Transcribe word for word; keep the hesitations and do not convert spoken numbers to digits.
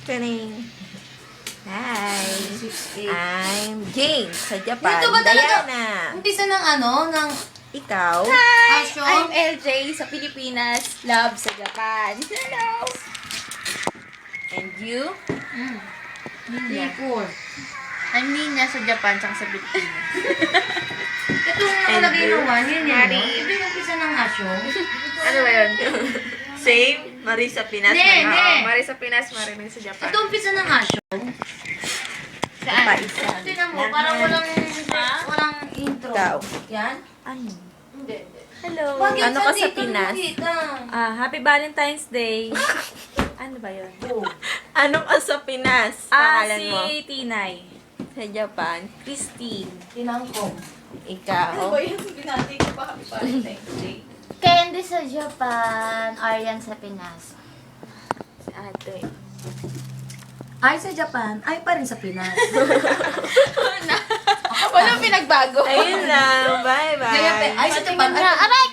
Taning. Hi. I'm Jane sa Japan. Dito ba talaga? Diana. Umpisa ng ano, ng Ikaw? Hi! Asyo? I'm L J sa Pilipinas, Love sa Japan. Hello! And you? Mm. Nicole. I'm Nina sa Japan, tsaka sa Pilipinas. Ito nga And nalagay you? ng one, yun yun. Mari. No? Ito yung umpisa ng asyo. Ano ba yun? Same? Marie sa Pinas. Hindi, Marie- hindi. Oo, Marie sa Pinas, Marie rin sa Japan. Ito umpisa ng asyo. Saan? Pa isa. Tingnan mo, parang walang, walang intro. Ikaw. Yan? Ano? Hindi. hindi. Hello! Bakit Ano ka sa dito Pinas? nakikita? Ah, Happy Valentine's Day! Ano ba yun? Oh. Ano ka sa Pinas? Ah, Pangalan si mo? Tinay. Sa Japan? Christine. Tinangkong. Ikaw? yun? Binati ko pa Happy Valentine's Day. Candy sa Japan, Aryan sa Pinas. Si ate. Ay sa Japan, ay pa rin sa Pinas. Walang pinagbago. Ayun lang. Bye-bye. Ay sa Japan, ay Aray